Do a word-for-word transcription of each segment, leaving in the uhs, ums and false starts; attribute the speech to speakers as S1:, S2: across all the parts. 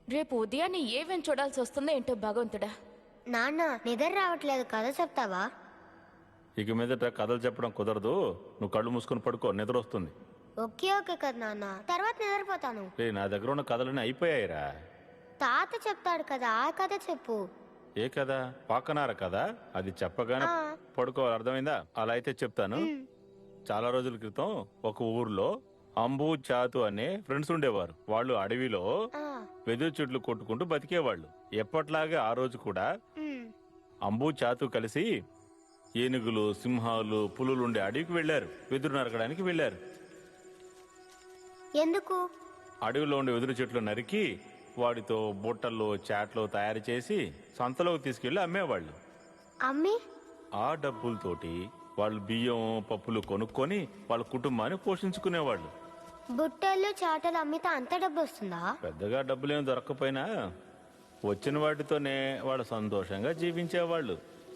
S1: రేపు ఉదయాన్నే ఏమేం చూడాల్సి వస్తుందో ఏంటో భగవంతుడా.
S2: నాన్న నిద్ర రావట్లేదు, కథ చెప్తావా?
S3: ఇక మీదట కథలు చెప్పడం కుదరదు. నువ్వు కళ్ళు మూసుకొని పడుకో, నిద్ర వస్తుంది.
S2: ఓకే ఓకే కదా నాన్న, తర్వాత నిద్రపోతాను.
S3: రే, నా దగ్గర ఉన్న కథలన్నీ అయిపోయాయిరా.
S2: తాత చెప్తాడు కదా, ఆ కథ చెప్పు.
S3: ఏ కథ? పాకనార కదా, అది చెప్పగానే
S2: ఆ.
S3: పడుకోవాలి, అర్థమైందా? అలా అయితే చెప్తాను. చాలా రోజుల క్రితం ఒక ఊర్లో అంబు చాతు అనే ఫ్రెండ్స్ ఉండేవారు. వాళ్ళు అడవిలో
S2: ఆ,
S3: వెదురు చెట్లు కొట్టుకుంటూ బతికేవాళ్ళు. ఎప్పట్లాగే ఆ రోజు కూడా
S2: ఉమ్,
S3: అంబు చాతు కలిసి ఏనుగులు, సింహాలు, పులులు ఉండే అడవికి వెళ్లారు. వెదురు నరకడానికి వెళ్లారు.
S2: ఎందుకు?
S3: అడవిలో ఉండే వెదురు చెట్లు నరికి వాటితో బుట్టలు, చాట్లు తయారు చేసి సంతలోకి తీసుకెళ్లి అమ్మేవాళ్ళు.
S2: అమ్మి
S3: ఆ డబ్బులతోటి వాళ్ళు బియ్యం, పప్పులు కొనుక్కొని వాళ్ళ కుటుంబాన్ని పోషించుకునేవాళ్ళు.
S2: బుట్టలు చాటలు అమ్మితే అంత డబ్బు వస్తుందా?
S3: పెద్దగా డబ్బులేం దొరక్కపోయినా వచ్చిన వాటితోనే వాళ్ళు సంతోషంగా జీవించేవాళ్ళు.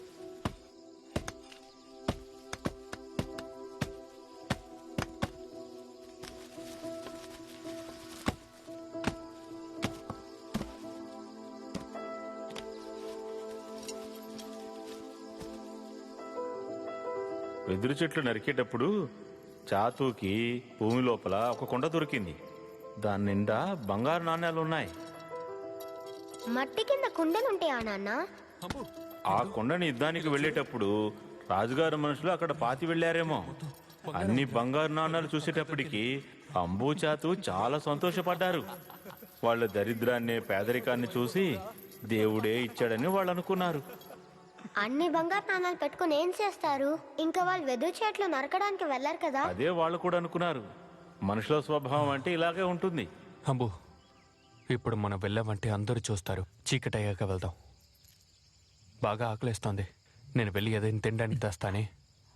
S3: వెదురు చెట్లు నరికేటప్పుడు చాతుకి భూమి లోపల ఒక కొండ దొరికింది. దాని నిండా బంగారు నాణ్యాలున్నాయి.
S2: మట్టి కింద కుండలుంటాయా నాన్న?
S3: ఆ కొండని యుద్ధానికి వెళ్లేటప్పుడు రాజుగారు మనుషులు అక్కడ పాతి వెళ్లారేమో. అన్ని బంగారు నాణ్యాలు చూసేటప్పటికి అంబు చాతు చాలా సంతోషపడ్డారు. వాళ్ళ దరిద్రాన్ని, పేదరికాన్ని చూసి దేవుడే ఇచ్చాడని వాళ్ళు అనుకున్నారు.
S2: అన్ని బంగారు నాణాలు పెట్టుకుని ఏం చేస్తారు? ఇంకా వాళ్ళు వెదురు చెట్లు నరకడానికి వెళ్లారు కదా.
S3: అదే వాళ్ళు కూడా అనుకున్నారు. మనుషుల స్వభావం అంటే ఇలాగే ఉంటుంది.
S4: అంబు, ఇప్పుడు మనం వెళ్ళామంటే అందరూ చూస్తారు. చీకటయ్యాక వెళ్దాం. బాగా ఆకలిస్తోంది. నేను వెళ్ళి ఏదైనా తినడానికి తెస్తానే.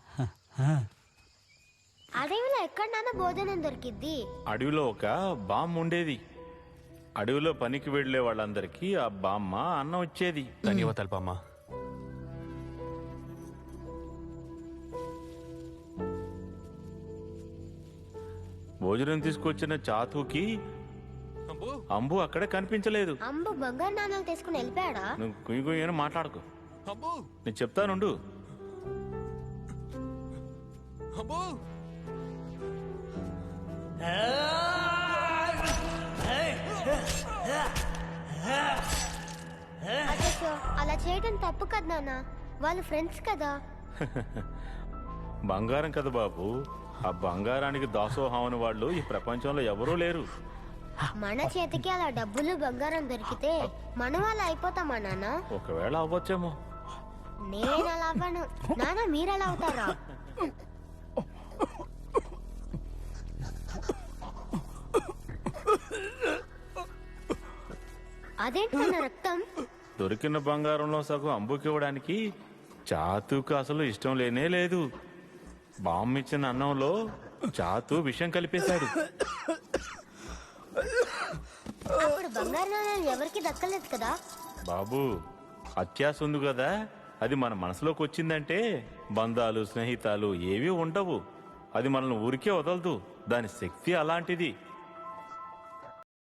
S2: అడవిలో ఎక్కడ నాన్న భోజనం దొరికిద్ది?
S3: అడవిలో ఒక బామ్మ ఉండేది. అడవిలో పనికి వెళ్లే వాళ్ళందరికీ ఆ బామ్మ అన్నం ఇచ్చేది.
S4: ధన్యవాదాలు బామ్మ.
S3: భోజనం తీసుకొచ్చిన చాతుకి అంబు అక్కడే కనిపించలేదు.
S2: అంబు బంగారు నాణాలు తీసుకుని వెళ్ళిపోయాడా?
S3: నువ్వు కుయ్యి కుయ్యి అని మాట్లాడుకో, నేను చెప్తానుండు.
S2: అచ్చో, అలా చేయడం తప్పు కదా నాన్న, వాళ్ళు ఫ్రెండ్స్ కదా.
S3: బంగారం కదా బాబు, ఆ బంగారానికి దాసోహం అని వాళ్ళు ఈ ప్రపంచంలో ఎవరూ లేరు.
S2: మన చేతికి అలా డబ్బులు బంగారం దొరికితే మనం అలా అయిపోతామా నాన్న?
S3: ఒకవేళ అవ్వచ్చేమో.
S2: నేను అలా అవ్వను నాన్న, మీరు అలా అవుతారా? అదేంటి నాన్న రక్తం?
S3: దొరికిన బంగారంలో సగం అంబుకి ఇవ్వడానికి చాతుకు అసలు ఇష్టం లేనే లేదు. బామ్మ ఇచ్చిన అన్నంలో చాతు విషం కలిపేశాడు.
S2: అప్పుడు బంగారు నాణాలు ఎవరికి దక్కలేదు కదా.
S3: బాబు, అత్యాశ ఉంది కదా, అది మన మనసులోకి వచ్చిందంటే బంధాలు, స్నేహితాలు ఏవీ ఉండవు. అది మనల్ని ఊరికే వదలదు. దాని శక్తి అలాంటిది.